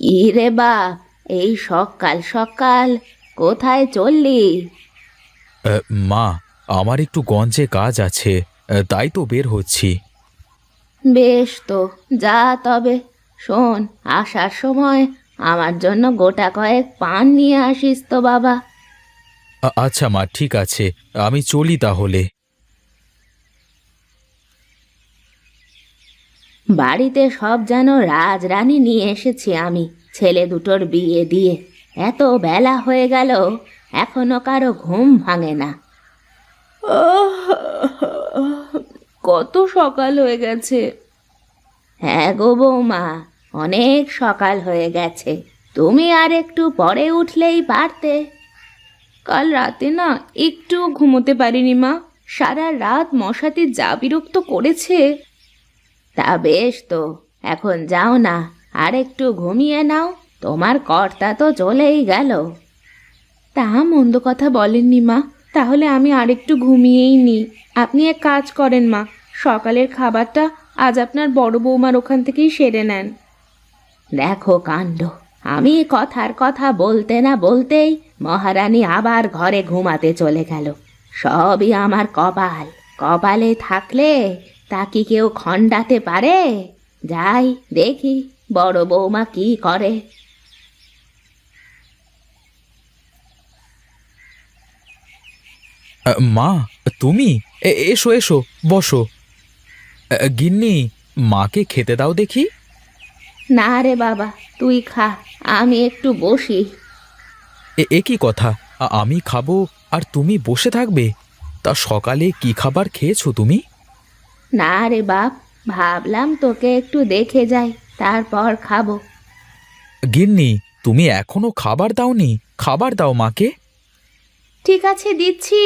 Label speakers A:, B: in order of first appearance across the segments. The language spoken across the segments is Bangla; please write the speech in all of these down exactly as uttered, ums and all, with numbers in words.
A: কি রে বাপ, এই সকাল সকাল কোথায় চললি?
B: আহ, মা, আমার একটু গঞ্জে কাজ আছে, আহ, তাই তো বের হচ্ছি।
A: বেশ তো, যা তবে। শোন, আসার সময় আমার জন্য গোটা কয়েক পান নিয়ে আসিস তো বাবা।
B: আ- আচ্ছা মা, ঠিক আছে, আমি চলি তাহলে।
A: বাড়িতে সব যেন রাজরানী নিয়ে এসেছি আমি, ছেলে দুটোর বিয়ে দিয়ে। এত বেলা হয়ে গেল, এখনো কারো ঘুম ভাঙে না। কত সকাল হয়ে গেছে। হ্যাঁ গো বৌমা, অনেক সকাল হয়ে গেছে। তুমি আর একটু পরে উঠলেই পারতে। কাল রাতে না একটু ঘুমোতে পারিনি মা, সারা রাত মশাতে যা বিরক্ত করেছে। তা বেশ তো, এখন যাও না, আর একটু ঘুমিয়ে নাও। তোমার কর্তা তো চলেই গেল। তা মন্দ কথা বলেননি মা, তাহলে আমি আরেকটু ঘুমিয়েই নিই। আপনি এক কাজ করেন মা, সকালের খাবারটা আজ আপনার বড় বৌমার ওখান থেকেই সেরে নেন। দেখো কাণ্ড, আমি কথার কথা বলতে না বলতেই মহারানী আবার ঘরে ঘুমাতে চলে গেল। সবই আমার কপাল। কপালে থাকলে তা কি কেউ খণ্ডাতে পারে? যাই দেখি বড় বৌমা কি করে।
B: আহ, মা, তুমি এ- এসো এসো, বসো। আহ, গিন্নি, মাকে খেতে দাও দেখি।
A: না রে বাবা, তুই খা, আমি একটু বসি।
B: এ এ কি কথা, আ- আমি খাবো আর তুমি বসে থাকবে? তা সকালে কি খাবার খেয়েছো তুমি?
A: না রে বাপ, ভাবলাম তোকে একটু দেখে যাই, তারপর খাবো।
B: গিন্নি, তুমি এখনো খাবার দাওনি? খাবার দাও মাকে।
A: ঠিক আছে, দিচ্ছি।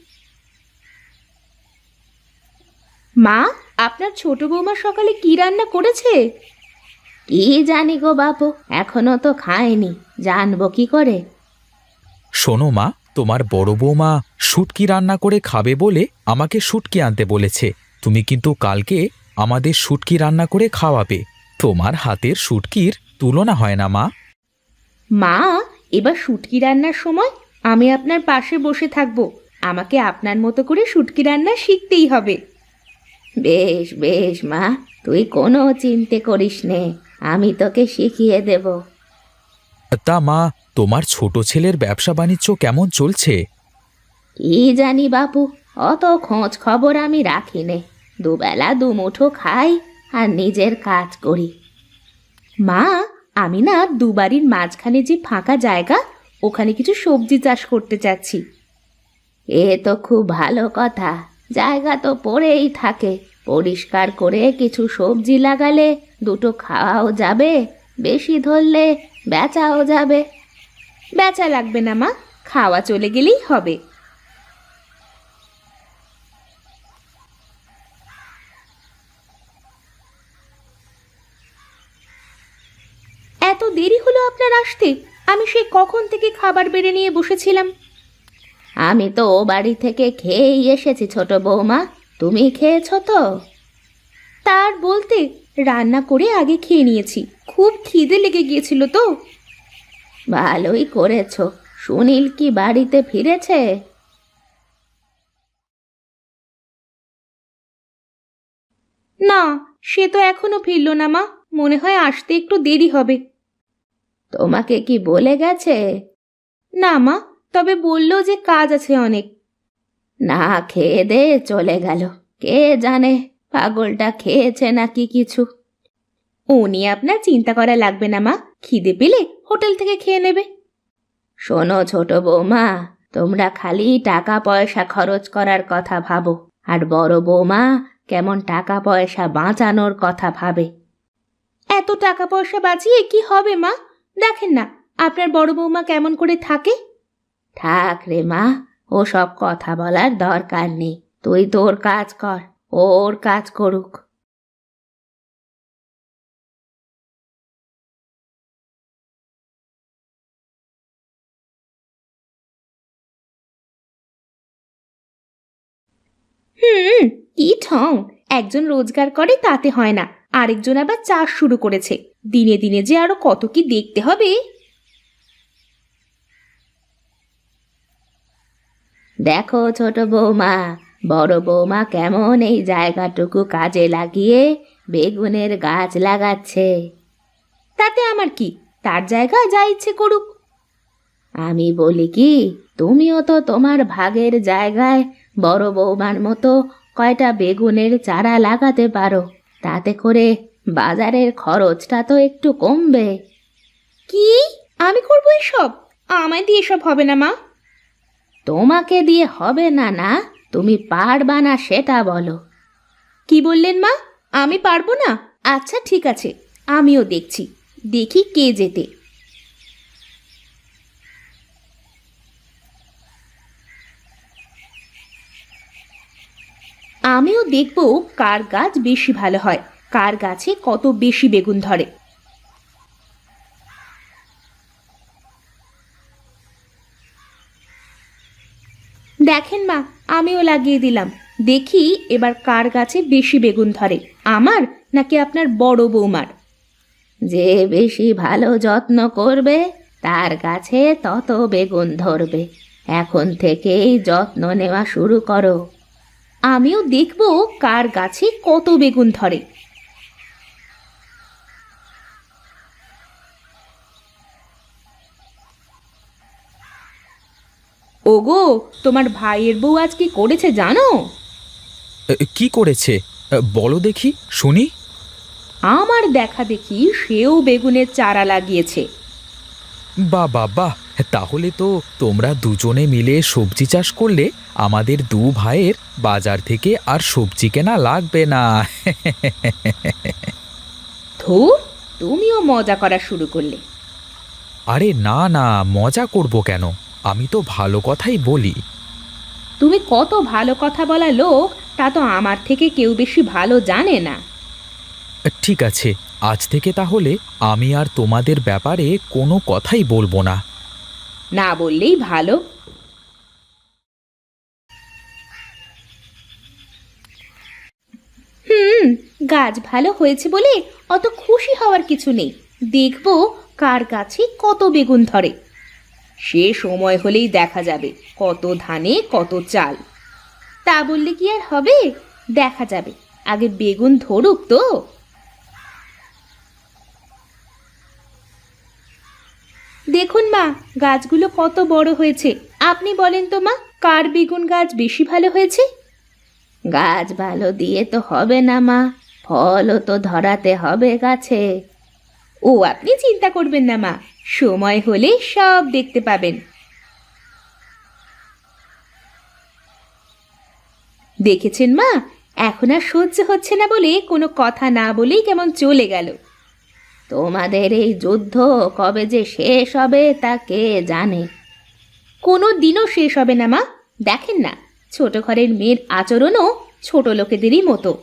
A: মা, আপনার ছোট বৌমা সকালে কি রান্না করেছে? কি জানি গো বাপু, এখনো তো খায়নি, জানবো কি করে?
B: শোনো মা, তোমার বড় বৌমা শুটকি রান্না করে খাবে বলে আমাকে শুটকি আনতে বলেছে। তুমি কিন্তু কালকে আমাদের শুটকি রান্না করে খাওয়াবে। তোমার হাতের শুটকির তুলনা হয় না মা।
A: মা, এবার শুটকি রান্নার সময় আমি আপনার পাশে বসে থাকবো। আমাকে আপনার মতো করে শুটকি রান্না শিখতেই হবে। বেশ বেশ মা, তুই কোনো চিন্তে করিস নে, আমি তোকে শিখিয়ে দেব।
B: তা মা, তোমার ছোট ছেলের ব্যবসা বাণিজ্য কেমন চলছে?
A: কি জানি বাপু, অত খোঁজ খবর আমি রাখি নে। দুবেলা দুমুঠো খাই আর নিজের কাজ করি। মা, আমি না দুবারির মাঝখানে যে ফাঁকা জায়গা, ওখানে কিছু সবজি চাষ করতে চাচ্ছি। এ তো খুব ভালো কথা। জায়গা তো পড়েই থাকে, পরিষ্কার করে কিছু সবজি লাগালে দুটো খাওয়াও যাবে, বেশি ধরলে বেচাও যাবে। বেচা লাগবে না মা, খাওয়া চলে গেলেই হবে। এত দেরি হলো আপনার আসতে? আমি সেই কখন থেকে খাবার বেড়ে নিয়ে বসেছিলাম। আমি তো ও বাড়ি থেকে খেয়েই এসেছি ছোট বৌমা, তুমি খেয়েছো তো? তার বলতে, রান্না করে আগে খেয়ে নিয়েছি, খুব খিদে লেগে গিয়েছিল তো। ভালোই করেছো। সুনীল কি বাড়িতে ফিরেছে? না, সে তো এখনো ফিরল না মা, মনে হয় আসতে একটু দেরি হবে। তোমাকে কি বলে গেছে? না মা, তবে বললো যে কাজ আছে অনেক। না খেয়ে দে চলে গেল, কে জানে পাগলটা খেয়েছে নাকি কিছু। ও নিয়ে আপনার চিন্তা করা লাগবে না মা, খিদে পেলে হোটেল থেকে খেয়ে নেবে। শোনো ছোট বৌমা, তোমরা খালি টাকা পয়সা খরচ করার কথা ভাবো, আর বড় বৌমা কেমন টাকা পয়সা বাঁচানোর কথা ভাবে। এত টাকা পয়সা বাঁচিয়ে কি হবে মা? দেখেন না আপনার বড় বৌমা কেমন করে থাকে। থাক রে মা, ও সব কথা বলার দরকার নেই। তুই তোর কাজ কর, ও ওর কাজ করুক। হুম, কি ঠং, একজন রোজগার করে তাতে হয় না, আরেকজন আবার চাষ শুরু করেছে। দিনে দিনে যে আরো কত কি দেখতে হবে। দেখো ছোট বৌমা, বড় বৌমা কেমন এই জায়গাটুকু কাজে লাগিয়ে বেগুনের গাছ লাগাচ্ছে। তাতে আমার কি, তার জায়গা যা ইচ্ছে করুক। আমি বলি কি, তুমিও তো তোমার ভাগের জায়গায় বড় বৌমার মতো কয়টা বেগুনের চারা লাগাতে পারো। তাতে করে বাজারের খরচটা তো একটু কমবে। কি, আমি করবো এসব? আমায় দিয়ে এসব হবে না মা। তোমাকে দিয়ে হবে না না, তুমি পারবা না সেটা বলো। কি বললেন মা? আমি পারবো না? আচ্ছা ঠিক আছে, আমিও দেখছি, দেখি কে যেতে। আমিও দেখব কার গাছ বেশি ভালো হয়, কার গাছে কত বেশি বেগুন ধরে। দেখেন মা, আমিও লাগিয়ে দিলাম। দেখি এবার কার গাছে বেশি বেগুন ধরে, আমার নাকি আপনার বড় বৌমার। যে বেশি ভালো যত্ন করবে তার গাছে তত বেগুন ধরবে। এখন থেকেই যত্ন নেওয়া শুরু করো। আমিও দেখব কার গাছে কত বেগুন ধরে। ওগো, তোমার ভাইয়ের বউ আজ কি করেছে জানো?
B: এ, কি করেছে? এ, বলো দেখি, শুনি।
A: আমার দেখা দেখি সেও বেগুনের চারা লাগিয়েছে।
B: বাহ বাহ বাহ, তাহলে তো তোমরা দুজনে মিলে সবজি চাষ করলে আমাদের দু ভাইয়ের বাজার থেকে আর সবজি কেনা লাগবে না।
A: ধুর, তুমিও মজা করা শুরু করলে।
B: আরে না না, মজা করব কেন? আমি তো ভালো কথাই বলি।
A: তুমি কত ভালো কথা বলা লোক তা তো আমার থেকে কেউ বেশি ভালো জানে না।
B: ঠিক আছে, আজ থেকে তাহলে আমি আর তোমাদের ব্যাপারে কোনো কথাই বলবো না।
A: না বললেই ভালো। হুম, গাছ ভালো হয়েছে বলে অত খুশি হওয়ার কিছু নেই। দেখবো কার গাছে কত বেগুন ধরে। সে সময় হলেই দেখা যাবে কত ধানে কত চাল। তা বললে কি আর হবে? দেখা যাবে, আগে বেগুন ধরুক তো। দেখুন মা, গাছগুলো কত বড় হয়েছে। আপনি বলেন তো মা, কার বেগুন গাছ বেশি ভালো হয়েছে? গাছ ভালো দিয়ে তো হবে না মা, ফলও তো ধরাতে হবে গাছে। ও আপনি চিন্তা করবেন না মা, সময় হলে সব দেখতে পাবেন। দেখেছেন মা, এখন আর সহ্য হচ্ছে না বলে কোনো কথা না বলেই কেমন চলে গেল। তোমাদের এই যুদ্ধ কবে যে শেষ হবে তা কে জানে। কোনো দিনও শেষ হবে না মা। দেখেন না, ছোট ঘরের মেয়ের আচরণও ছোট লোকেদেরই মতো।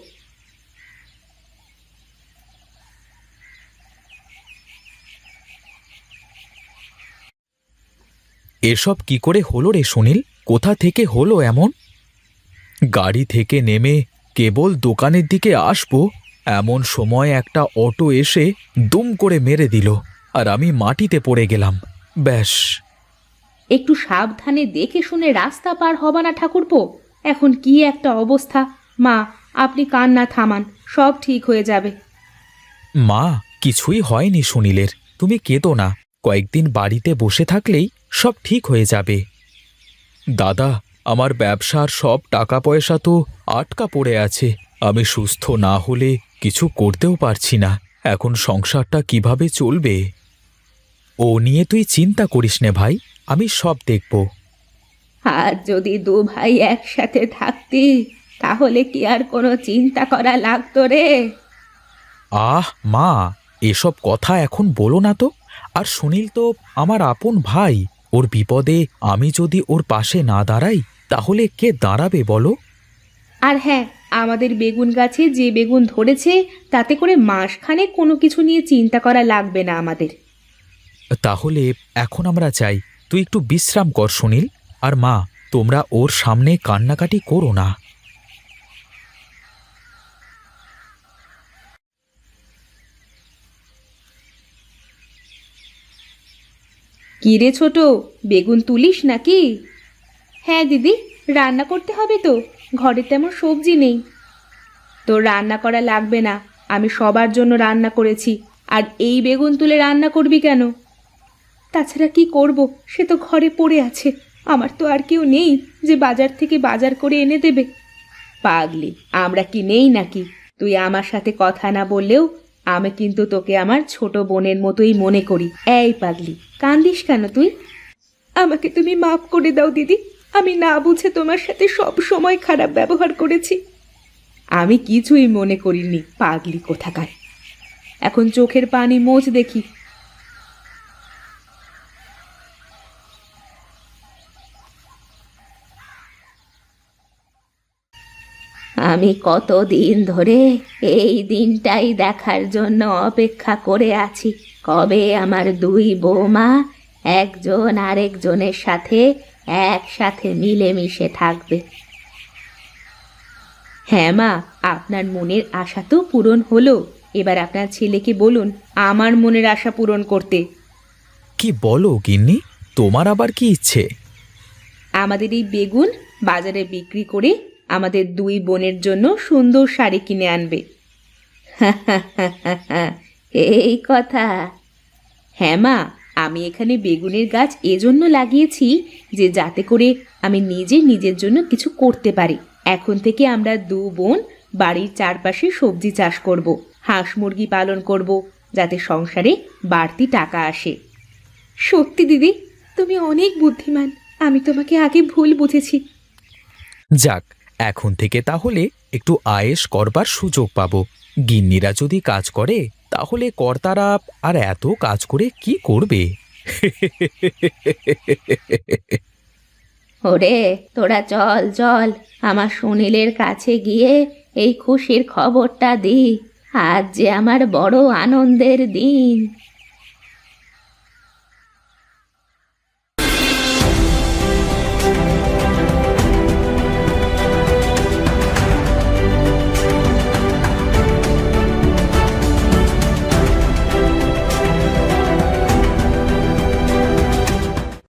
B: এসব কি করে হলো রে সুনীল? কোথা থেকে হলো এমন? গাড়ি থেকে নেমে কেবল দোকানের দিকে আসবো, এমন সময় একটা অটো এসে দুম করে মেরে দিল, আর আমি মাটিতে পড়ে গেলাম। ব্যাস।
A: একটু সাবধানে দেখে শুনে রাস্তা পার হবা না ঠাকুরপো? এখন কি একটা অবস্থা। মা, আপনি কান্না থামান, সব ঠিক হয়ে যাবে।
B: মা, কিছুই হয়নি সুনীলের, তুমি কেঁদো না। কয়েকদিন বাড়িতে বসে থাকলেই সব ঠিক হয়ে যাবে। দাদা, আমার ব্যবসার সব টাকা পয়সা তো আটকা পড়ে আছে। আমি সুস্থ না হলে কিছু করতেও পারছি না। এখন সংসারটা কিভাবে চলবে? ও নিয়ে তুই চিন্তা করিস নে ভাই, আমি সব দেখব।
A: আর যদি দু ভাই একসাথে থাকতি তাহলে কি আর কোনো চিন্তা করা লাগতো রে?
B: আহ মা, এসব কথা এখন বলো না তো। আর সুনীল তো আমার আপন ভাই, ওর বিপদে আমি যদি ওর পাশে না দাঁড়াই তাহলে কে দাঁড়াবে বলো?
A: আর হ্যাঁ, আমাদের বেগুন গাছে যে বেগুন ধরেছে তাতে করে মাসখানে কোনো কিছু নিয়ে চিন্তা করা লাগবে না আমাদের।
B: তাহলে এখন আমরা চাই, তুই একটু বিশ্রাম কর সুনীল। আর মা, তোমরা ওর সামনে কান্নাকাটি করো না।
A: কি রে ছোট, বেগুন তুলিস নাকি? হ্যাঁ দিদি, রান্না করতে হবে তো, ঘরে তেমন সবজি নেই। তোর রান্না করা লাগবে না, আমি সবার জন্য রান্না করেছি। আর এই বেগুন তুলে রান্না করবি কেন? তাছাড়া কি করব, সে তো ঘরে পড়ে আছে। আমার তো আর কেউ নেই যে বাজার থেকে বাজার করে এনে দেবে। পাগলি, আমরা কি নেই নাকি? তুই আমার সাথে কথা না বললেও আমি কিন্তু তোকে আমার ছোট বোনের মতোই মনে করি। এই পাগলি, কান্দিস কেন তুই? আমাকে তুমি মাফ করে দাও দিদি, আমি না বুঝে তোমার সাথে সব সময় খারাপ ব্যবহার করেছি। আমি কিছুই মনে করিনি, পাগলি কোথাকার। এখন চোখের পানি মোছ দেখি। আমি কতদিন ধরে এই দিনটাই দেখার জন্য অপেক্ষা করে আছি, কবে আমার দুই বৌমা একজন আরেকজনের সাথে একসাথে মিলেমিশে থাকবে। হ্যাঁ মা, আপনার মনের আশা তো পূরণ হলো। এবার আপনার ছেলেকে বলুন আমার মনের আশা পূরণ করতে।
B: কি বলো গিন্নি, তোমার আবার কি ইচ্ছে?
A: আমাদের এই বেগুন বাজারে বিক্রি করে আমাদের দুই বোনের জন্য সুন্দর শাড়ি কিনে আনবে। এই কথা? হ্যাঁ মা, আমি এখানে বেগুনের গাছ এজন্য লাগিয়েছি যে যাতে করে আমি নিজে নিজের জন্য কিছু করতে পারি। এখন থেকে আমরা দু বোন বাড়ির চারপাশে সবজি চাষ করব, হাঁস মুরগি পালন করব, যাতে সংসারে বাড়তি টাকা আসে। সত্যি দিদি, তুমি অনেক বুদ্ধিমান। আমি তোমাকে আগে ভুল বুঝেছি।
B: যাক, এখন থেকে তাহলে একটু আয়েশ করবার সুযোগ পাবো। গিন্নিরা যদি কাজ করে তাহলে কর্তারা আর এত কাজ করে কি করবে?
A: ওরে তোরা চল চল, আমার সুনীলের কাছে গিয়ে এই খুশির খবরটা দি। আজ যে আমার বড় আনন্দের দিন।